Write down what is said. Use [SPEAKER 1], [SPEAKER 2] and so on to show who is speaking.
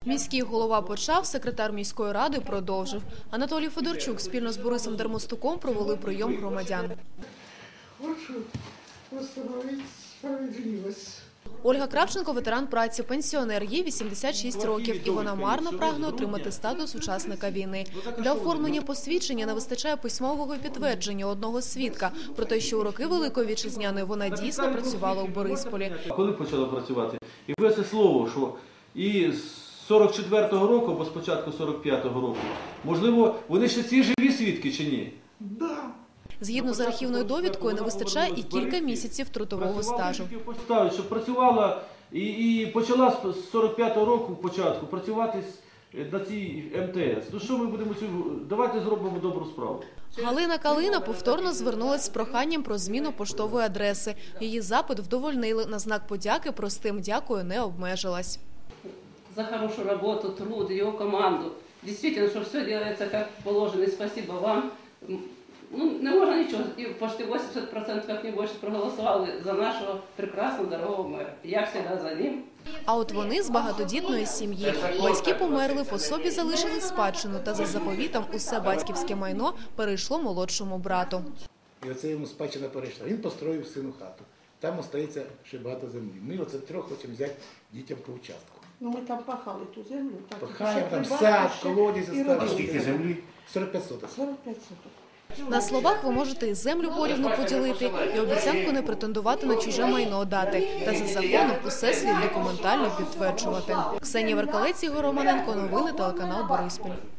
[SPEAKER 1] Міський голова почав, секретар міської ради продовжив. Анатолій Федорчук спільно з Борисом Дермостуком провели прийом громадян.
[SPEAKER 2] Хочу встановити справедливість.
[SPEAKER 1] Ольга Кравченко – ветеран праці, пенсіонер, їй 86 років, і вона марно прагне отримати статус учасника війни. Для оформлення посвідчення не вистачає письмового підтвердження одного свідка про те, що у роки Великої Вітчизняної вона дійсно працювала у Борисполі.
[SPEAKER 3] Коли почала працювати? І це слово, що і з 44-го року, або з початку 45-го року, можливо, вони ще ці живі свідки чи ні?
[SPEAKER 2] Да.
[SPEAKER 1] Згідно з архівною довідкою, не вистачає і кілька місяців трудового стажу.
[SPEAKER 3] Що працювала і почала з 45-го року початку працювати на цій МТС. Ну що ми будемо, давайте зробимо добру справу.
[SPEAKER 1] Галина Калина повторно звернулась з проханням про зміну поштової адреси. Її запит вдовольнили. На знак подяки простим дякую не обмежилась.
[SPEAKER 4] За хорошу роботу, труд, його команду. Дійсно, що все робиться як положено. І спасибо вам. Ну, не можна нічого. І почти 80%, як не більше, проголосували за нашого прекрасного, дорогого мера. Я завжди за ним.
[SPEAKER 1] А от вони з багатодітної сім'ї. Батьки померли, по собі залишили спадщину, та за заповітом усе батьківське майно перейшло молодшому брату.
[SPEAKER 5] І оце йому спадщина перейшла. Він построїв сину хату. Там остається ще багато землі. Ми оце трьох хочемо взяти дітям по участку.
[SPEAKER 2] Ну ми там пахали ту землю.
[SPEAKER 5] Пахаємо, там сад, колодязь.
[SPEAKER 2] А
[SPEAKER 5] скільки землі? 45 соток.
[SPEAKER 2] 45 соток.
[SPEAKER 1] На словах ви можете і землю порівну поділити, і обіцянку не претендувати на чуже майно дати. Та за законом усе слід документально підтверджувати. Ксенія Веркалець, Ігор Романенко, новини, телеканал Бориспіль.